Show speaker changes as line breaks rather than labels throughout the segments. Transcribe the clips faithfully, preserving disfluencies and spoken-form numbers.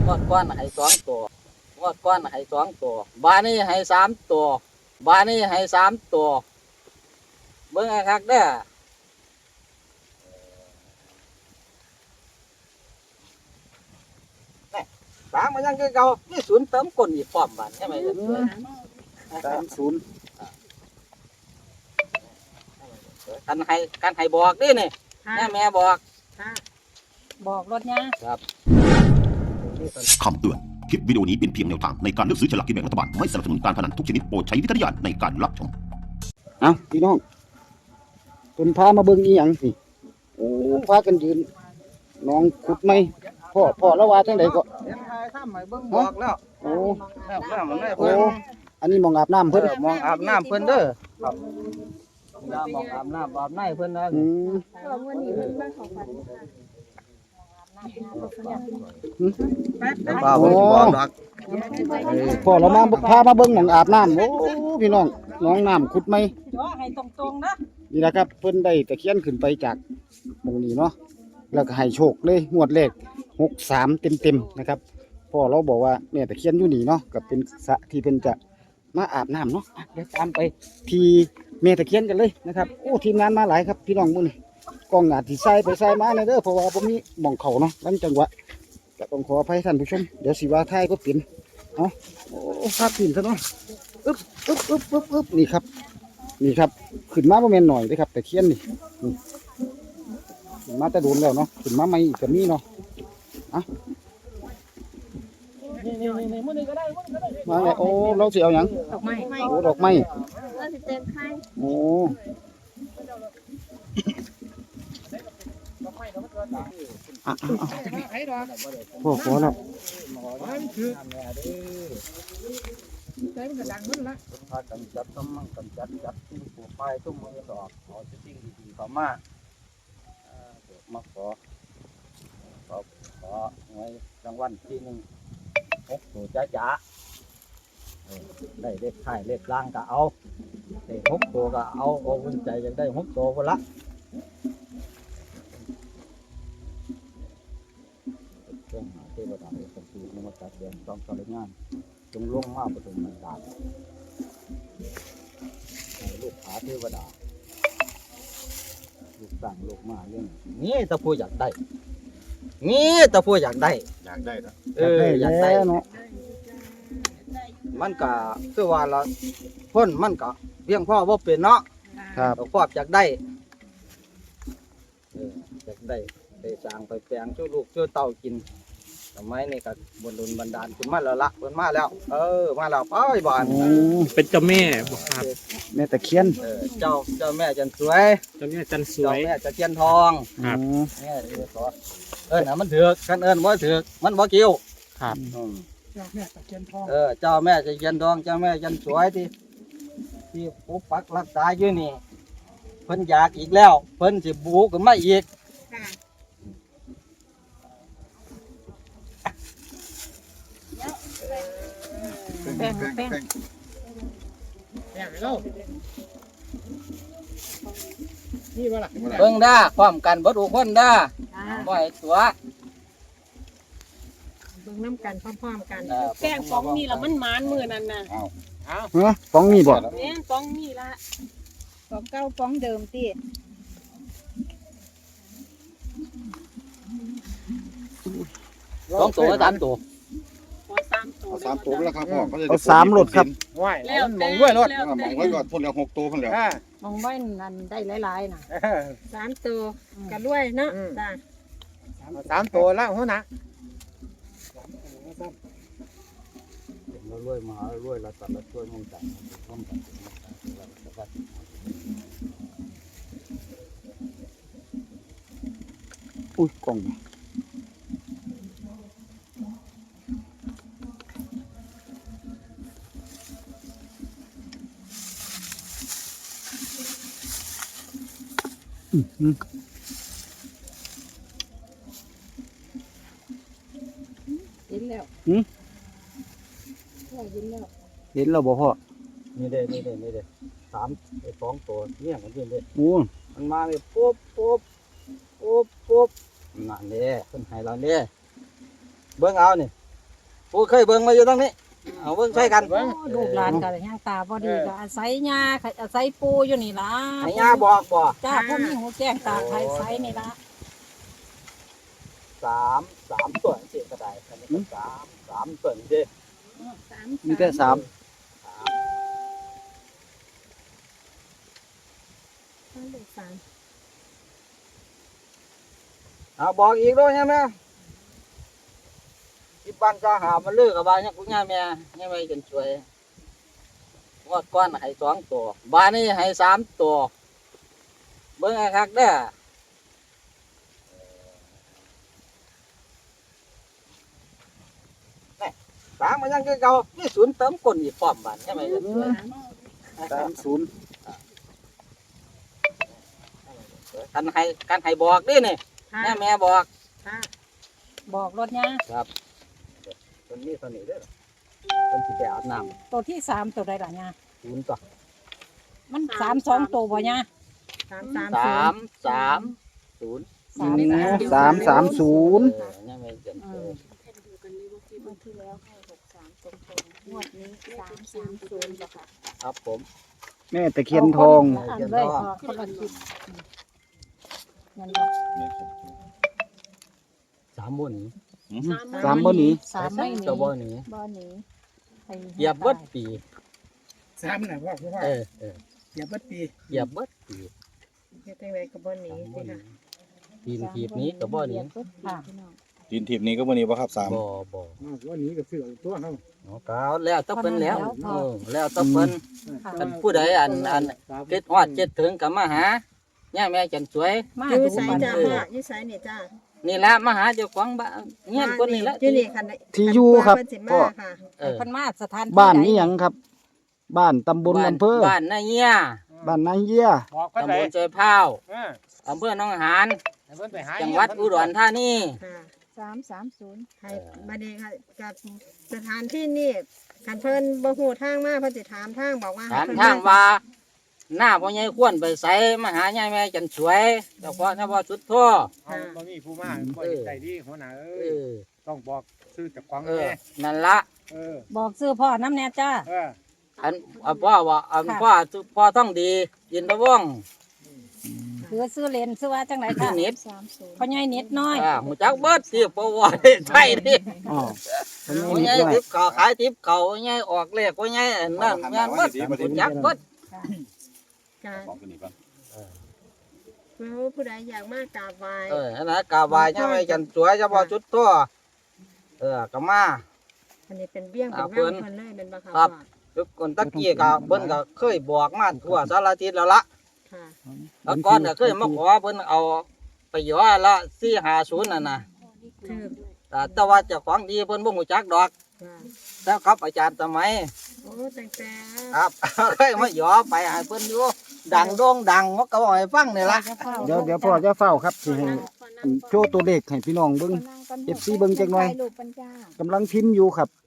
งวดก้อนให้สองตัวงวดก้อนให้สองตัวบานี้ให้สามตัวบานี้ให้สามตัวเบิ่งให้คักเด้อสามมันยังคือเก่านี่ศูนย์เติมก้นอีกพร้อมบัดใช่ไหมเด้อ
สามศูนย์
กันให้กันให้บอกดินี่แม่แม่บอก
บอกรถเนี่ย
ครับ
คำเตือน คลิปวิดีโอนี้เป็นเพียงแนวทางในการเลือกซื้อฉลากกินแบ่งรัฐบาล ไม่สนับสนุนการพนันทุกชนิดโปรดใช้วิจารณญาณในการรับชม
เอาพี่น้องเป็นพามาเบิ่งอีหยังสิโอ้พากันยืนน้องขุดไหมพ่อพ่อแล้วว่าจังไดก็
เห็นทายทำให้เบิ่งบอกแล้ว
โอ้
แล้วแล้วมันได้
โอ้
เพิ่น
อันนี้มองอาบน้ำ
เพิ่
เพิ่
น
น
มองอาบน้ำเพิ่นเด้อครับยามองอาบน้ำอาบในเพิ่นนะ
อืม
วันนี้มันเป็นของขวัญ
ป้าบ่สิบอกดอก
พ่อเรามาพามาเบิ่งหมองอาบน้ำโอ้พี่น้องน้องน้ำขุดไหม
จ่อให้ตรงๆนะ
นี่นะครับเพิ่นได้ตะเคียนขึ้นไปจากหมองนี้เนาะแล้วก็ให้โชคเลยงวดแรกหกสามเต็มๆนะครับพ่อเราบอกว่าเนี่ยตะเคียนอยู่นี่เนาะก็เป็นสระที่เพิ่นจะมาอาบน้ำเนาะอ่ะเดี๋ยวตามไปที่แม่ตะเคียนกันเลยนะครับโอ้ทีมงานมาหลายครับพี่น้องมื้อนี้กล้องอาจสิใส่ไปใส่มาเนยเด้อเพราะว่าบ่มีหม่องเขาเนาะลังจังหวะก็ต้องขออภัยท่านผู้ชมเดี๋ยวสิว่าท้ายก็เป็นเนาะโอ้ภาพพิมพ์ซะเนาะอึ๊บอึ๊บอึ๊บอึ๊บอึ๊บนี่ครับนี่ครับขึ้นมาบ่แม่นหน่อยเด้อครับตะเคียนนี่นี่ขึ้นมาแต่โดนแล้วเนาะขึ้นมาใหม่อีกก็มีเนาะอ่ะมาเลยโอ้เราสิเอาหยัง
ดอกไม้
โอ้ดอกไม้
เราสิเต็มไข่
โอ้อ่ะอ่ะอ่ะพ่อขอแล้ว
พากันจัดต้องมั่งกันจัดจัดที่ปลูกไม้ตุ้มมือดอกขอสิ่งดีๆเข้ามาเอ่อเดี๋ยวมาขอขอขอไว้รางวัลที่หนึ่งหกตัวจ้าจ๋าเออได้เลขท้ายเลขล่างก็เอาได้หกตัวก็เอาโอ้วุ่นใจอยากได้หกตัวก็ละเครื่องหาเทวดาเอกสันตินมัสการเดือนจอมสริงานจงลงมาประสมบันดาลให้ลูกหาเทวดาลูกสั่งลูกมาเรื่องนี่ตะพูอยากได้นี่ตะพูอยากได้
อยากได้ครับ
เอออยากได้
แล้วเนาะ
มันก็คือว่าเราพ้นมันก็เพียงพ่อว่าเป็นเนาะ
ครับ
เราครอบอยากได้เอออยากได้ได้สร้างไปแปลงช่วยลูกช่วยเต่ากินทำไมนี่ก็บนดุลบันดาลขึ้นมาแล้วละเพิ่นมาแล้ว เออมาแล้วไปบ้าน
โอ้
เป็นเจ้าแม่บอกครับ
แม่ตะเคียน
เออเจ้าเจ้าแม่จันสวย
เจ้าแม่จันสว
เจ้าย แม่จะเทียนทอง
ครับ
อืม
แม่เออขอเอิ้นน่ะมันถือกกันเอิ้นบ่ถือกมันบ่เกี่ยว
ครับ
อืมเออเจ้าแม่จะเทียนทองเจ้าแม่จันสวยที่ที่ปกปักรักษาอยู่นี่เพิ่นอยากอีกแล้วเพิ่นสิบูขึ้นมาอีก
แป้งแป้ง
เบิ่งด้าพร้อมกันบ่ทุกคนด้าบ่ให้ตัว
เบิ่งน้ำกันพร้อมๆกัน
เออ
แป้งฟองนี่ละมันหมานมือนั่นน่ะ
ฮะฟ้องนี่บ่
แม่นฟองนี่ละฟองเก้าฟองเดิมติ
สองตัวสามตัว
ฟองสามตัว
เอาสามตัวแล้วครับพ่อเขาจะ
เอาสามรถครับ
แล้วแต่แล้ว
มองไว้ก่อนพ่นแล้วหกตัวพ่นแล้ว
มองไว้นั่นได้หลายๆน่ะ
สามตัวกันรวยเนาะจ้า
สามตัวแล้วหัวหน้า
เรารวยมารวยเราตัดเราช่วยมองจังพร้อมกัน
อุ้ยกล่องอืมอืม
เห็นแล้ว
หืม
พ่อเห็นแล้ว
เห็นแล้วบ่พ่อ
นี่เด้นี่เด้นี่เด้สามไอ้สองตัวเนี่ยมันเป็นเด้
โอ้
มันมาเลยปุ๊บปุ๊บปุ๊บปุ๊บนั่นเด้เพิ่นให้เราเด้เบิ่งเอานี่ผู้เคยเบิ่งมาอยู่ตรงนี้เอาเบิ่งใส่กัน
โอ้ลูกหลานก็ย่างตาบ่ดีก็อาศัยยาอาศัยปูอยู่นี่ล่ะ
ให้ย่าบอกบ่
จ้าพวกมีหูแจ้งตาไทยไซนี่ละ
สามสามตัวสิก็ได้อันนี้ก็สามสามตัวนี่เด้
สาม
มีแต่สาม
เลขสาม
เอาบอกอีกด้วยใช่ไหมที่บ้านก็หามาเลือกกับบ้านเนี่ยคุณย่าแม่เนี่ยไม่จนช่วยงวดก้อนให้สองตัวบ้านนี้ให้สามตัวเบิ่งไอ้คักเด้อนี่สามมันยังคือเก่านี่ศูนย์เติมก้นอีกพร้อมบ้านใช่ไหมจนช่วย
สามศูนย์
กันให้กันให้บอกดินี่
ค่ะ
แม่แม่บอก
ค่ะ
บอกรถยา
คนนี้คนนี้เด้อคนที่ไปอาบน้
ตัวที่สามตัวใดล่ะยา
ำศูนย์ต่อ
มันสามสองตัวบ่ยา
สามสาม
สามสามศูนย์
สาม
สามสามศูนย์
เออเนี่ยไม่จนช่วย
งวดที่แล้วให้หกสามตรงๆงวดนี้สามสามศูนย์จ้ะค่ะ
ครับผม
แม่ตะเคียนทอง
อันเลยพอคนละคลิปนั่นบ่
สามบนนี้
สามบ่หนี
สามไม่หนี
ตัวบ่หนี้
บ่หนีให้
เหยียบเบิดปี
สามน่ะพ่อพ่อ
เออเออ
อย่าเบิดปี
เหยียบเบิดปี
เฮ็ดจังไดก็บ่หนี
สามบ่
สิ
ห
ค่ะ
นี้ทีนทีบนี้กับบ่หนี้
ค่ะ
ดินทิพนี้ก็วันนี้ป่ะครับสาม
บ่บ่
วันนี้ก็ซื้อตัวเฮา
เนาะกาวแล้วต้องเป็นแล้วเออแล้วต้องเป็น
ค่ะ
กันผู้ใดอันอันเกิดฮอดเจ็ดถึงกับมาหาเนี่ยแม่จันสวย
มา
อยู่
ดู
ไส
บัน
จ้า
เทิง
พ่ออยู่ไสนี่จ้า
นี่ละมาหาเจ้าของบ้านเงี้ยคนนี้ละ
อยู่นี่คัน
ที่อยู่ครับ
เพิ่นสิ
ก็
มาค่ะ
เออ
เพิ่นมาสถานที่
บ้าน
ใด
นี้หยังครับ บ้านตำบล
บ้าน
อำเภอ
บ้านนาเงี้ย
บ้านนายเยี่ย
บอกก็
ตำ
ได้
บลใจพร้าว
เออ
อำเภอหนองหาน
ให้เพิ่นไปหา
จังหวัดอุดรธานี
ค่ะ
สามสามศูนย์
ให้บัดนี้ค่ะกับสถานที่นี่คันเพิ่นบ่ฮู้ทางมาเพิ่นสิถามทางบอกว่าให้
ถาม
เพิ่น
ทางว่าหน้าพ่อใหญ่ควรไปใส่มาหายายแม่จันสวยเจ้าพ่อเจ้าพ่อสุดทั่ว
เอาบ่มีผู้มาบ่ได้ดีหัวหน้าเอ้
เอย อ
ต้องบอกซื้อจากของ
เออ
แม่
นั่นละ
เออ
บอกซื้อพ่อน้ำแน่จ้า
เออ
อันอันพ่อว่าอันพ่อพ่อต้องดียินตะว่อง
คือซื้อเลนซื้อว่าจังไหน
ที่
ค่ะ
นิด
พ่อใหญ่นิดน้อย
อ่าหูจักเบิดที่ปวดใช่ดิ
อ๋อเพิ่น
พ่อ
มี
ใหญ่
นิดหน่อย
ทิพเขาขายทิพเขาพ่อใหญ่ออกเลขพ่อใหญ่อันนั่นงานเบิดหูจักเบิด
การ
บอกกันนี่ก่อน
ผู้ใดอยากมากราบไหว้
เออนั่นนะกาบายเนี่ยไม่จันสวยเจ้าพ่อสุดทั่วเออกะมา
อันนี้เป็นเบี้ยงเป็น
อ่า
เงา
เพิ่น
เพิ่นเลยเป็นบ่ค่ะ
ครับ
พ่อ
ทุกคนตะกี้ก็เพิ่นก็เคยบอกมาทั่วสารทิศแล้วละ
ค่ะ
แล้วก่อนก็เคยมาขอเพิ่นเอาไปหยอละสี่ห้าศูนย์นั่นน่ะ
ถือ
แต่แต่ว่าเจ้าของดีเพิ่นบ่ฮู้จักดอก
ค่ะ
แล้วครับอาจารย์สมัย
โอ้ตั้งแต่
ครับ เคยมาหยอไปให้เพิ่นอยู่ดังโด่งดังเขาก็บอกให้ฟังนี่ล่ะ
เดี๋ยวเดี๋ยวพ่อจะเฝ้าครับสิให้อันโชว์ตัวเลขให้พี่น้องเบิ่ง เอฟซีเบิ่งจักหน่อย
ลูกปัญญาก
ำลังพิมพ์อยู่ครับ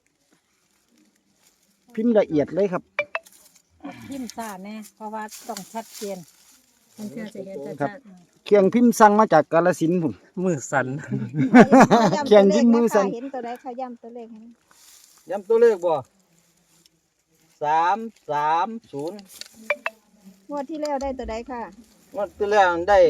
พิมพ์ละเอียดเลยครับ
พิมพ์ซ่าแน่เพราะว่าต้องชัดเจน
มันเชื่อสิเห็นจะ
ครั
จั
บ
ด
เครื่องพิมพ์สั่งมาจากกาฬสินธุ์พุ่น
มือสั่น
เขียนที่มือสั่น
เห็นตัวใดเขาย้ำตัวเลขให้
ย้ำตัวเลขบ่สามสามศูนย์
งวดที่แล้วได้ตัวใดค่ะ
งวดที่แล้วได้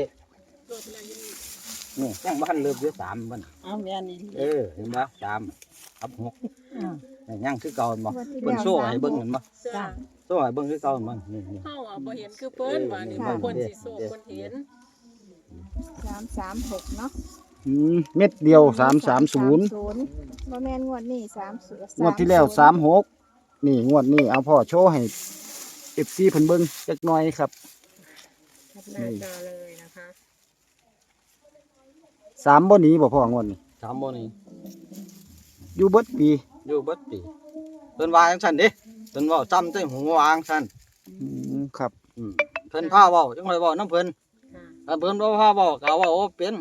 นี่ยังบ้านเริ่มอยู่สามมัน
เอาแม่นี่
เออเห็นบ่สามครับหก
อ่า
นี่ยังคือเก่าบ่
งวดที่
เพิ่น
แล้ว
โซ่ให้เบิ่งเห็นบ่
จ้า
โซ่ให้เบิ่งคือเก่ามันนี่นี่
เฮาอ่ะบ่เห็นคือเพิ่นว่านี่
เออ
บางคนสิโศกคนเห็น
สามสามหกเนาะ
อืมเม็ดเดียวสามสามศูนย์
บ่แม่นงวดนี้สามศูนย์
งวดที่แล้วสามหกนี่งวดนี้เอาพ่อโชว์ให้เอฟซีเพิ่นเบิ่งจักหน่อยครับ
แคปหน้าจอเลยนะคะ
สามบ่หนีบ่พ่องวดนี้
สามบ่นี่
อยู่เบิดปี
อยู่เบิดปีเพิ่นว่าจังซั่นเด้เพิ่นเว้าซ้ำใส่หูวาจังซั่น
อืมครับ
อืมเพิ่นพาเว้าจังได๋เว้านำเพิ่น
ค่ะ
ถ้าเพิ่นบ่พาเว้าก็เว้าบ่เป็น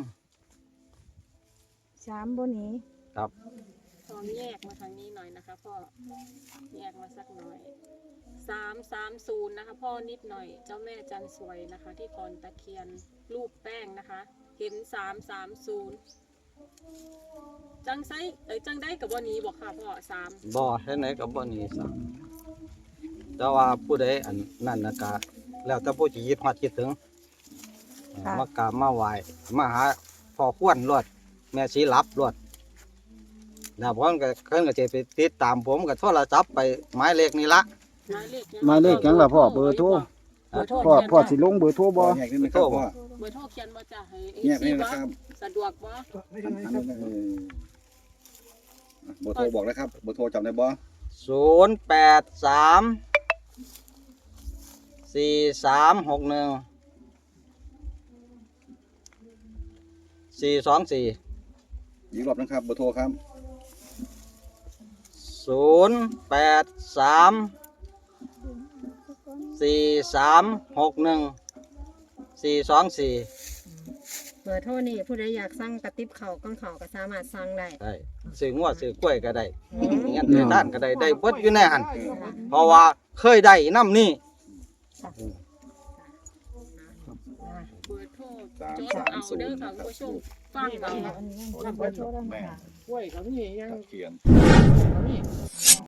สามบ่หนี
พร้อมแยกมาทางนี้หน่อยนะคะพ่อแยกมาสักหน่อยสามสามศูนย์นะคะพ่อนิดหน่อยเจ้าแม่จันสวยนะคะ ที่คอนตะเคียนรูปแป้งนะคะ เห็นสามสามศูนย์จังไซเอ้ยจังได้กับวันนี้บอกค่ะพ่อสาม
บ่เฮ็ดไหนก็บ่หนีซะแต่ว่าผู้ใดอันนั่นน่ะก็แล้วแต่ผู้สิยึดฮอดคิดถึงมากราบมาไหว้มาหาพ่อควรรวดแม่ชีรับรวดแล้วผมก็เพิ่นก็สิไปติดตามผมก็โทรศัพท์ไปหมายเลขนี้ละ
หมายเลข
หมายเลขหยังล่ะพ่อเบอร์โทร
เบอร์โทร
พ่อ
เขียน
พ่อสิลงเบอร์โทรบ่
แยกนี่นะครับพ่อ
เบอร์โทรเขียนบ่จ้ะให้
แยก
ซี
นี่
บ่
นะครับ
สะดวกบ่
เออเบอร์โทรบอกเลยครับเบอร์โทรจำได้บ่
ศูนย์แปดสามสี่สามหกหนึ่งสี่สองสี่
อีกรอบนะครับเบอร์โทรครับ
ศูนย์แปดสามสี่สามหกหนึ่งสี่สองสี่
เบอร์โทรนี่ผู้ใดอยากสั่งกระติบเขาวก้อนเขาวก็สามารถสั่งได้
ได้ซื้องัวซื้อกล้วยก็ได้เงี้ยในด้านก็ได้ได้เบิดอยู่ในหันเพราะว่าเคยได้น้ำนี่
เบอร์โทรจดเอาเด้อค่ะคุณผู้ชมฟังเอา
แม่
กล้วยกับนี่ยัง
เขียน
กับนี่